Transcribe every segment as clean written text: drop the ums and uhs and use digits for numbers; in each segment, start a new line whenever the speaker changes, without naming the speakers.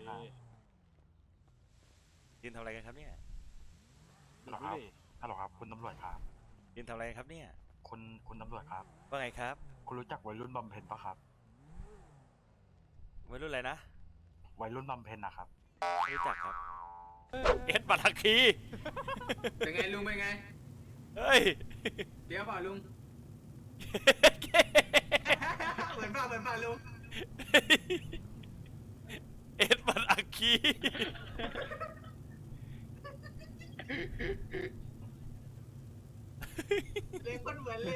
ครับ
ยืนทำอะไรกันครับเนี่ย
ฮัลโหลครับฮัลโหลครับคุณตำรวจครับ
ยืนทำอะไรกันครับเนี่ย
คุณตำรวจครับ
ว่าไงครับ
คุณรู้จักวัยรุ่นบำเพ็ญปะครับ
วัยรุ่นอะไรนะ
วัยรุ่นบำเพ็ญนะครับ
ไม่รู้จักครับเอ็ดบัตรคี
เป็นไงลุงเป็นไง
เฮ้ย
เดี๋ยวเปล่าลุง เหมือนเปล่าลุง
เอ็ดบัตรคี
เลยคนเหมือนเลย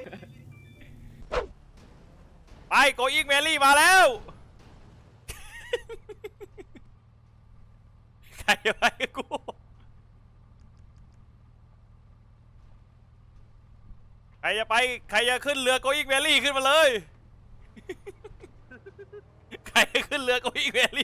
ไปโกอิงแมรี่มาแล้ว ใครจะไปกับกู ใครจะไป ใครจะขึ้นเรือโกอิงแมรี่ขึ้นมาเลย ใครจะขึ้นเรือโกอิงแมรี่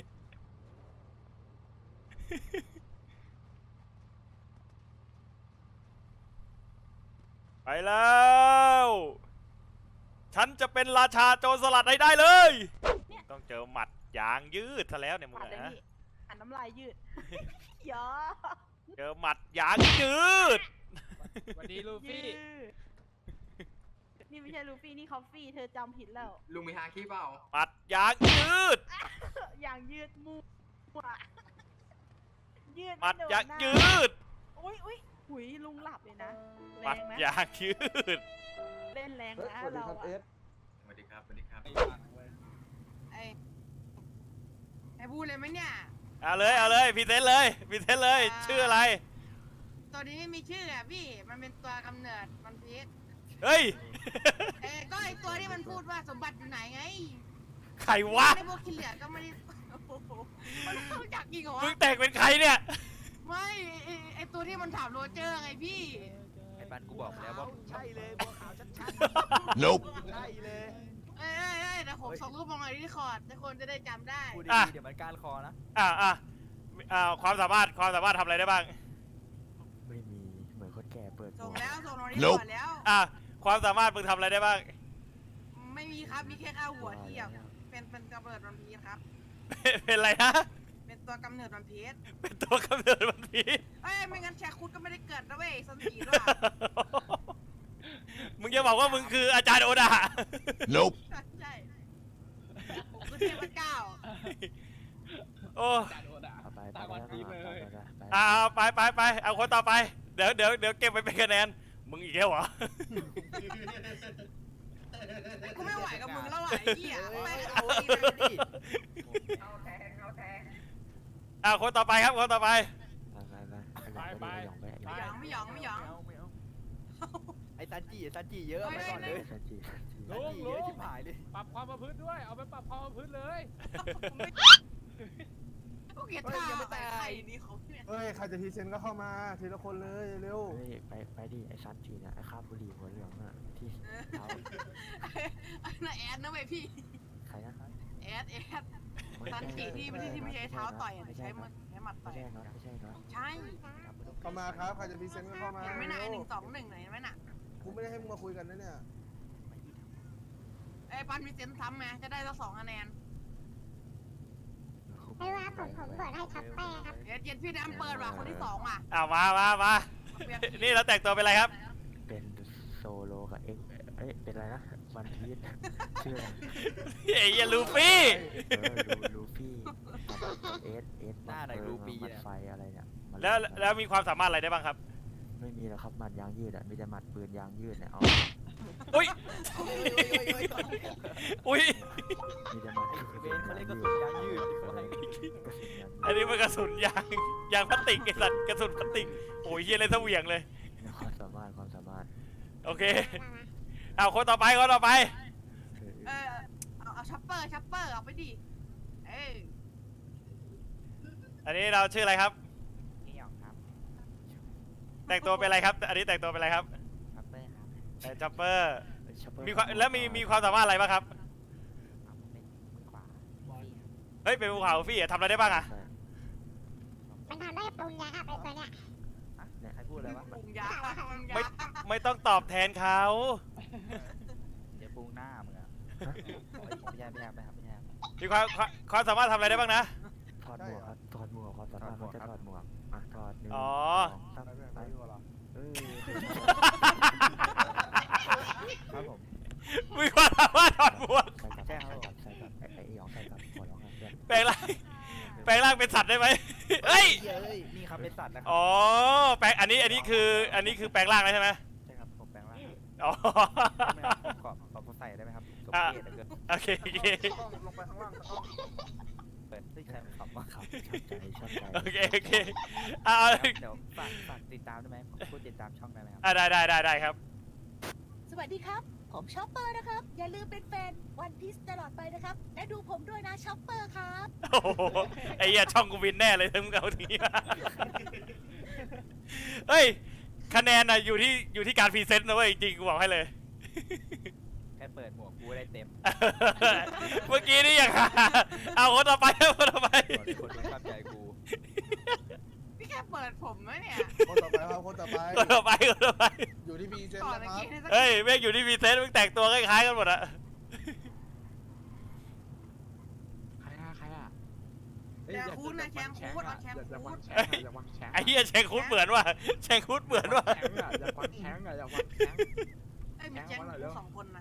ไปแล้ว ฉันจะเป็นราชาโจรสลัดให้ได้เลย ต้องเจอหมัดยางยืดซะแล้วเนี่ยมึง
ปัดเลย
นะ
พี่อันน้ำลายยืด ยอ
เจอหมัดยางยืด
สวัสดีลู
ยื
ฟี่
ดนี่ไม่ใช่ลูฟี่นี่คอฟฟี่เธอจำผิดแล้ว
ลุงมีฮาคิเปล่า
หมัดยางยืด
อย่างยืดมูยืด
หมัด
ไโน
ยาง
หน้
ยืด
อุ้ยหุยลุงหลับเลยนะ
ห
แร
มัด
งนะ
ยางยืด
เล่นแรงนะเราอะ
สวัสดีครับ สวัสดีครับ
ไอ้พูดเลยไหมเนี่ย
เอาเลยเอาเลยพรีเซนต์เลยพรีเซนต์เลย ชื่ออะไร
ตัวนี้ไม่มีชื่ออ่ะพี่ มันเป็นตัวกำเนิดมันพีช
เฮ้ย
ก็ไอตัวที่มันพูดว่าสมบัติอยู่ไหนไง
ใครวะ
ไอพวกขี้เหลือก็ไม่ได้โอ้โหมันรู้จักจริงเหรอ
มึ
วะ
งแต่งเป็นใครเนี่ย
ไม่ไอตัวที่มันถามโรเจอร์ไงพี่
ไอ้บ้านกูบอกแล้วว่า
ใช่เลยบัวขาวชัด
Nope
ๆใช่เลย
เอ้ยแต่ผมส่งรูปมาหน่อยที่คอร์ดทุกคนจะได้จำได้
พูด
อ่ะ
ดีๆเดี๋ยวมันก้านคอนะ
ความสามารถทำอะไรได้บ้าง
ไม่มีเหมือนคนแก่เปิด
ส่ง
ว
แล้วส่งมาที่คอร์ดแล้ว
ความสามารถมึงทำอะไรได้บ้าง
ไม่มีครับ มีแค่ข้าวหัวเทียบเป็นกำเนิดวันพีชครับ
เป็นอะไรนะ
เป็นตัวกำเนิดวันพีช
เป็นตัวกำเนิดมันพี
เอ้ยไม่งั้นแชร์คุดก็ไม่ได้เกิดนะเว้ยสันสีด้วย
มึงจะบอกว่ามึงคืออาจารย์โอดา Nope
ใช่ผมคือเทพเจ้า
โอ้
เอาไป
ตามวันพีชเลย
ไปเอาคนต่อไป เดี๋ยวเก็บไว้เป็นคะแนน มึงอีกแล้วเหรอ
กูไม่ไหวกับมึงแล้วอ่ะไอ้เหี้ยไม่
เอาดิเอาดิ
เอาแทง
คนต่อไปครับคนต่อไป
ไปหยองไปหยอง
ไม่หยอง
ไอ้ซันจิเยอะเอาไปก่อนเลย
สันจี
ซันจิเยอะชิบหายเลย
ปรับความประพฤติด้วย เอาไปปรับความประพฤติเลย
กูเกลียดท่าไปไข่นี่เขาเนี่ย
เฮ้ย ใครจะพรีเซนต์ก็เข้ามาทีละคนเลยเร็ว
เฮ้ยไปดิไอ้สันจีเนี่ยไอ้ข้าบุหรี่หัวเหลืองอ่ะที่เท้า
ไอ้น่ะแอดนะเว้ยพี่
ใครนะ
แอดสันติที่ไม่ใช้เท้าต่อยใช้หมัดต่
ไม่
อย
ใช่เนาะไม่ใช่เนาะ
ใช่
ๆเข้ามาครับ ใครจะพรีเซนต์ก็เข้ามา
เห็นไหมน่ะ
เร็ว
121ไหนไหมน่ะ
กูไม่ได้ให้มึงมาคุยกันนะเนี่ย
ไอ้ปันมีเซนซ้ำไงจะได้ละ2 คะแนน
ไม่ว่าผมเปิดให้ทับแป้ครับ
เย็นพี่แดมเปิดว่ะคนที่2ว่ะ
มานี่เราแต่งตัวเป็นอะไรครับ
เป็นโซโลกับเอ็กเป็นอะไรนะวันพีชชื่ออะไร
ไอ้เหี้ยลูฟี่
ลูฟี่มันไฟอะไรเนี่ย
แล้วมีความสามารถอะไรได้บ้างครับ
ไม่มีแล้วครับมันยางยืดอ่ะมีแต่หมัดปืนยางยืดเนี่ยเอา
อุ้ย อุ้ย
มีแต่หมัด
เวนเขาเล่นกระสุนยางยืดเขาให้
อันนี้มันกระสุนยางพลาสติกไอ้สัตว์กระสุนพลาสติก โอ้ยเหี้ยเลยเสวียงเลย
ความสามารถ
โอเค คนต่อไป
เอาชัปเปอร์เอาไปดิเอ้ย
อันนี้เราชื่ออะไรครับ
นี่หยองครับ
แต่งตัวเป็นอะไรครับ อันนี้แต่งตัวเป็นอะไรครับ
คัปเปอร์ครับ
แต่จ็อปเปอร์ มีความสามารถอะไรบ้างครับ
เอาผมเป็นมือขวาฟี่ครับ
เฮ้ย เป็นภูเขาฟี่ทำอะไรได้บ้างอะ
มันทำได้ปรุงยาครับไอ้ตัวเนี้ย
อ่ะไหนใครพูดอะไรวะ
ปรุงยา
ไม่ต้องตอบแทนเขา
เดี๋ยวปรุงหน้ามึงอะไม่ใช่ครับ
มีความสามารถทำอะไรได้บ้างนะ
ฟถอดหมวกครับถอดหมวกความสามารถเขาจะถอดหมวกอ่ะถอด1
อ๋อ
2 3
ไป
ไป
ดีกว่าเหรอ
ครับผม
มีความสามารถถอดหมวก
ใส่กับใส่กับไอ้หยองใส่กับหัวร้องเพื่อน
แปลงร่างแปลงร่างเป็นสัตว์ได้ไหมเฮ้ย
นี่ครับเป็นสัตว์นะครับ
อ๋อแปลงอันนี้คือแปลงร่างแล้วใช่ไหม
ใช่ครับผมแปลงร่าง
อ๋อ
ไม่เอาผมกรอบใส่ได้ไหมครับสมเกียรติเหลือเกิน
โอเคโอเค
ต้องลงไปข้างล่างต้อง
เปิดใช่ครับว่า
ครับชอบใจ
โอเคโอเคเอา
เดี๋ยวฝากติดตามได้ไหมพูดติดตามช่องได้ไหมครับ
ได้ครับ
สวัสดีครับ ผมช็อปเปอร์นะครับ อย่าลืมเป็นแฟนวันพีซตลอดไปนะครับ และดูผมด้วยนะช็อปเปอร์ครับ
โอ้โหไอ้เหี้ยช่องกูวินแน่เลยถ้ามึงเอาทีมาเฮ้ยคะแนนน่ะอยู่ที่การพรีเซนต์นะเว้ยจริงๆกูบอกให้เลย
แค่เปิดหมวกกูได้เต็ม
เมื่อกี้นี่อย่างหาเอาคนต่อไปคนต่อไป
คนไม่เข้าใจกู
พี่แค่เปิดผมไหมเนี่ย
คนต่อไปครับคนต่อไป
คนต่อไปคนต่อไป
อยู่ที่พีเซน
ก่อน
นะ
เมื่อ
ครับ
กี้นี่สัก
เฮ้ยแม่งอยู่ที่พรีเซนต์มึงแต่งตัวคล้ายๆกันหมดอะ
ใครอ่ะ
แชงคูดนะแชงคูดเอาแชงคูด
ไอ้เหี้ยแชงคุดเหมือนว่ะแชงคุดเหมือนว่ะ
เอ้ยมีแชงคูด2 คนนะ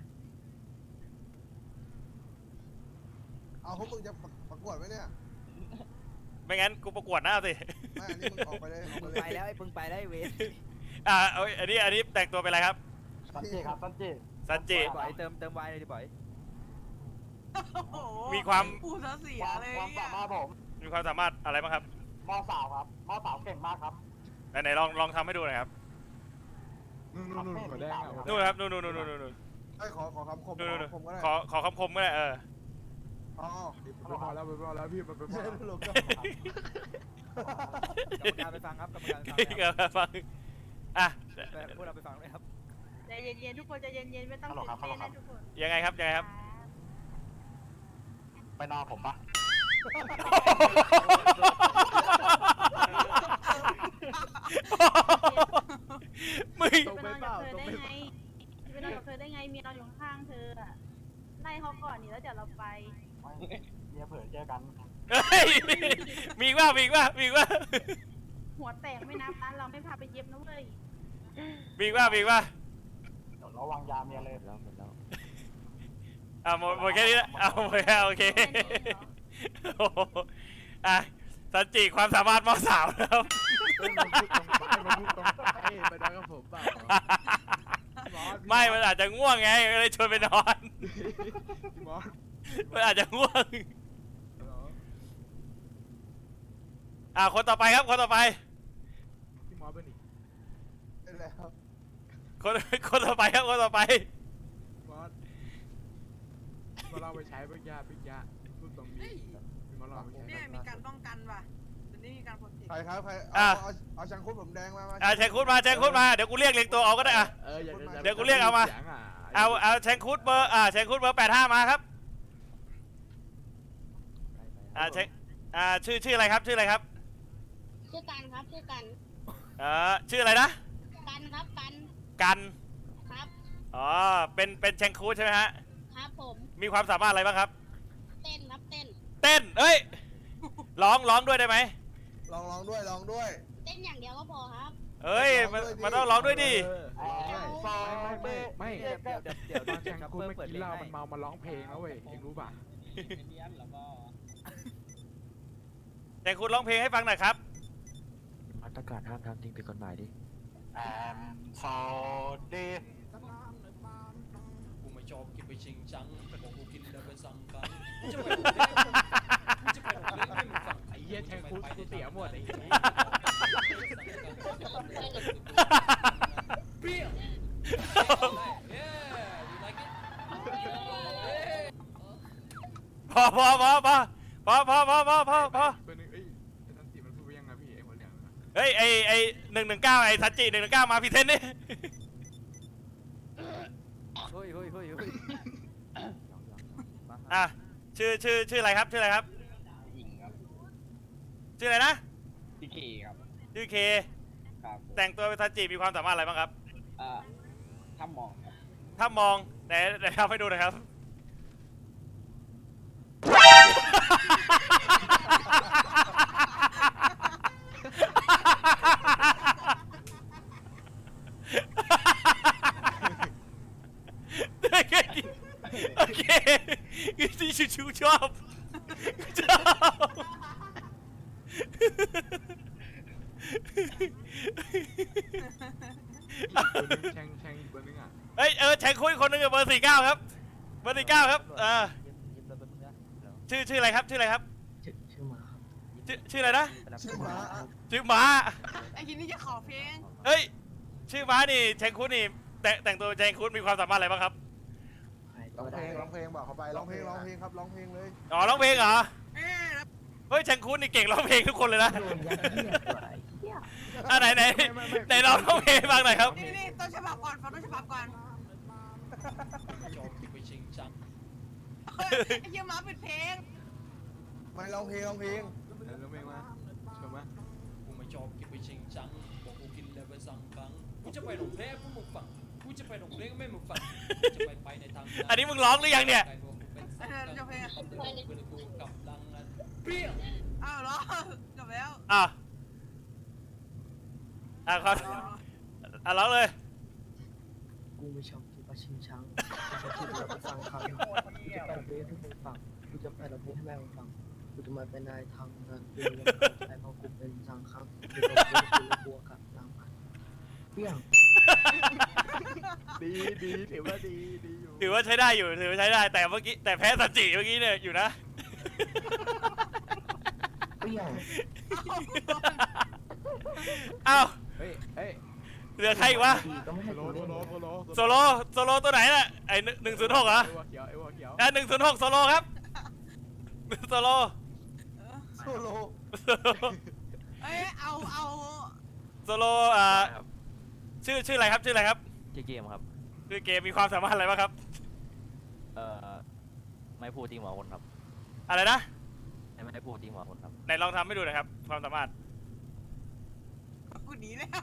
เอาพวกมึงจะประกวดไหมเนี่ย
ไม่งั้นกูประกวดหน้าสิ
ไม่อันนี้มึงออกไปเลยออก
มึ
ไป
ง
เลย
ไปแล้วไอ้มึงไปแล้วไอ้เวส
เอาอันนี้แต่งตัวเป็นอะไรครับ
ซันจิครับซันจิ
ซันจิ
บ่อยเติมไวเลยดิบ่อย
โอ้โห
มีความ
ปูซะเสียเลย
ความสามารถผม
มีความสามารถอะไรบ้างครับ
มอสาวครับมอสาวเก่งมากครับ
ไหนลองทำให้ดูหน่อยครับ
นู่นหัวแดง
นู่นครับนู่น
ไอ้ขอคำคม
นู่น
ผมก็ได้
ขอคำคมก็ได้
อ๋อพอแล้วพี่มันเป็นพอแล้ว
กรรมการไปฟังครับกรรมการไปฟัง
ฟังอ่ะ
พวกเราไปฟังเลยครับ
ใจเย็นๆทุกคนใจเย็นๆไม่ต้องตื่นเต้นนะทุกคน
ยังไงครับ
ไปนอนผมปะ
มึง
ไปนอนกับเธอได้ไงไปนอนกับเธอได้ไงเมียนอนอยู่ข้างๆเธออะไล่เขาก่อนนี่แล้วเดี๋ยวเราไป
เมียเผื่อเจอกัน
เฮ้ยมีอีกว่า
หัวแตกไม่นับร้านเราไม่พาไปเย็บนะเว้ย
มีอีกว่า
เดี๋ยวระวังยาเมียเลย
หมดแล้ว
หมดแค่นี้ละหมดแค่โอเคโอ้โหสันจิความสามารถมอสาวนะครับ
มันพูดตรงไปนอนกับผมเปล่า
ไม่มันอาจจะง่วงไงก็เลยชวนไปนอน
มอส
มันอาจจะง่วงคนต่อไปครับคนต่อไป
พี่มอสเป็นอีกเป็นแล้ว
คนต่อไปครับคนต่อไป
มอสมาลองไปใช้ปัญญาพูดตรงนี้มาลองไปใช้
เนี่ยมีการป้องกันว่ะตอนนี้มีการโปรเทค
ใครครับใครเอาชังคุดผมแดงมา
แชงคุดมาเดี๋ยวกูเรียกตัวเอาก็ได้เดี๋ยวกูเรียกเอามาเอาแชงคุดเบอร์แชงคุดเบอร์85มาครับชื่ออะไรครับ
ชื่อกันครับชื่อกัน
ชื่ออะไรนะ
กันครับกัน
กัน
ครับ
อ๋อเป็นแชงคุดใช่ไหมฮะ
ครับผม
มีความสามารถอะไรบ้างครับ
เต้นครับเต้น
เต้นเอ้ยร้องด้วยได้ไหม
ลองด้วย
เต้นอย่างเดียวก็พอครับ
เอ้ยมันต้องร้องด้วยดิ
ไม่
เดี๋ยวตอนแชงคูไม่กินเหล้ามันเมา
มาร้องเพลงแล้วเว้ยเองรู้ป่ะ
แชงคุดร้องเพลงให้ฟังหน่อยครับ
มาตรการห้ามทำสิ่งผิดกฎหมายดิ
โซดี
กูไม่ชอบกินไปชิงจังแต่บอกกูกินแล้วไปสั่งกันจะไปโรงเรียนไม่มึงสั่ง
ไอ้เหี้ยแชงคูกูเสียหมดไอ้เหี้ย
เปรี้ยวเย้ you like it
พอ
เป็นเอ้ยทันติมันพูดว่ายังไงพี่ไอ้หัวเหลือง
เฮ้ยไอ119ไอซันจิ119มาพรีเซนต์ดิ
เฮ้ย
ชื่ออะไรครับ
หญิงครับ
ชื่ออะไรนะ
พี่เคครับ
ชื่อเค
ครับ
แต่งตัวเป็นซันจิมีความสามารถอะไรบ้างครับ
ถ้ามองครับ
ถ้ามองไหนทำให้ดูหน่อยครับชิวๆชอบชอบ
ตัวนึงแช่งอีกตัวนึงอ่ะ
เฮ้ยแทงคุยคนหนึงกับเบอร์49ครับเบอร์49ครับ
ยิ้มแล้วเป็นมึงนะเดี๋ยว
ชื่ออะไรครับชื่ออะไรครับ
ชื่อหมาครับ
ชื่ออะไรนะ
ไปรับ
ชื่อหมาครับ
ชื่อม้า
ไอ้ทีนี้จะขอเพลง
เฮ้ยชื่อม้านี่แทงคุยนี่แต่งตัวแทงคุยมีความสามารถอะไรบ้างครับ
ร้องเพลงบอกเขาไปร้องเพลงครับร้องเพลงเลย
อ๋อร้องเพลงเหรอ
เอ๊ะแล้ว
เฮ้ยแทงคุยนี่เก่งร้องเพลงทุกคนเลยนะ
โดนยัดเยียดกว่าไอ้เหี้ย
ไหนร้องเพลงให้ฟังหน่อยครับ
นี่ต้นฉบับก่อนฟังต้นฉบับก่อน
จอมที่ไปชิงชัง
เฮ้ยไอ้เหี้ยหมาปิดเพลง
ไม่ร้องเพลง
ร้องเพลงมาชมมา
กูไม่ชอบกินไปชิงชังบอกกูกินแล้วไปสั่งบังกูจะไปหลงเพลงพวกมึงฟังกูจะไปหลงเพลงก็ไม่มึงฟังกูจะไปในทาง
อันนี้มึงร้องหรือยังเนี่ย
จะเพลง
กูกำลังนั้นเปรี้ยง
อ้าวเหรอจบแล้ว
อ่ะครับร้องเลย
กูไม่ชอบกินปลาชิงช้างกูจะไปฟังเขากูจะไปร้องเพลงให้มึงฟังกูจะไปร้องเพลงให้แม่มึงฟังกูจะมาเป็นนายทางเงินกูจะไปเพราะกูเป็นสังฆังกูจะเป็นบัวกับนางพันเปี้ยง
ดีถือว่าดีอยู่
ถือว่าใช้ได้อยู่ถือว่าใช้ได้แต่เมื่อกี้แต่แพ้สัจจิเมื่อกี้เนี่ยอยู่นะ
เปี้ยง
เอ้า
เฮ้ย
เหลือใครอีกวะ
ก็ไม่ให้
โซ
กูเล่น
โล
โซโลตัวไหนน่ะไอ้106เหรอ
ไอ้วัวเขียว
106โซโลครับโซโล
โซโล
เอ้ยเอา
โซโลชื่ออะไรครับชื่ออะไรครับ
ชื่อเกมครับ
ชื่อเกมมีความสามารถอะไรบ้างครับ
ไม่พูดจริงหมอคนครับ
อะไรนะ
ไม่ได้พูดจริงหมอคนครับ
ไหนลองทำให้ดูหน่อยครับความสามารถ
กูหนีแล้ว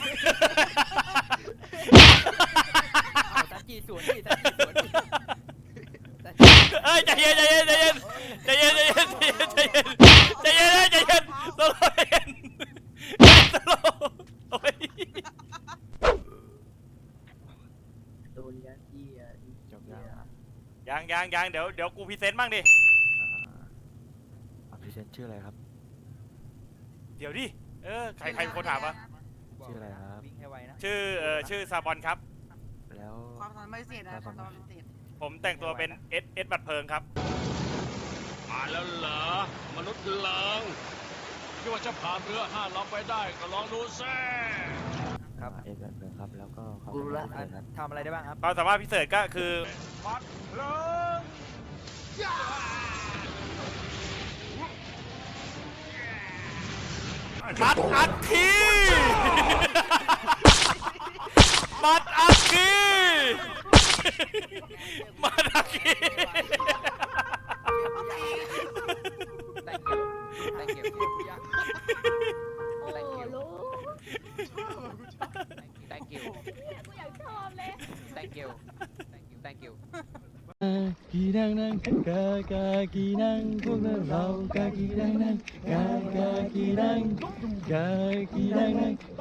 สัจจีสวนดิสัจจีสวนดิ
เอ้ยใจเย็นใจเย็นใจเย็นใจเย็นใจเย็นใจเย็นใจเย็นใจเย็นโซโลใจเย็นโซโลโอ้ย
โดนยัดเยียด
จบแล้วนะ
ยังเดี๋ยวกูพรีเซนต์บ้างดิ
พรีเซนต์ชื่ออะไรครับ
เดี๋ยวดิใครเป็นคนถามวะ
ชื่ออะไรครับ
วิ่งให้ไวนะ
ชื่อซาบอนครับ
แล้ว
ความสามารถพิเศษนะความสามารถพิเศษ
ผมแต่งตัวเป็นเอสบัตรเพลิงครับ
ผ่านแล้วเหรอมนุษย์เลิงคิดว่าจะผ่านเรือ5 ลำไปได้ก็ลองดูซิ
ครับ
เอ็นแบบครับ แล้วก็เขา
กูรู้ละ
เป็นครับ
ทำอะไรได้บ้างครับ
ความสามารถพิเศษก็คือ
มัดเลิง
มัดอัดทีมัดอัดทีมัดอัดที
Thank you
โอ้ลูก
Thank you
กูอยากชอบเลย
Thank you Thank you
กีนังนังกากากีนังพวกเรากากีนังนังกากากีนังกากีนังนัง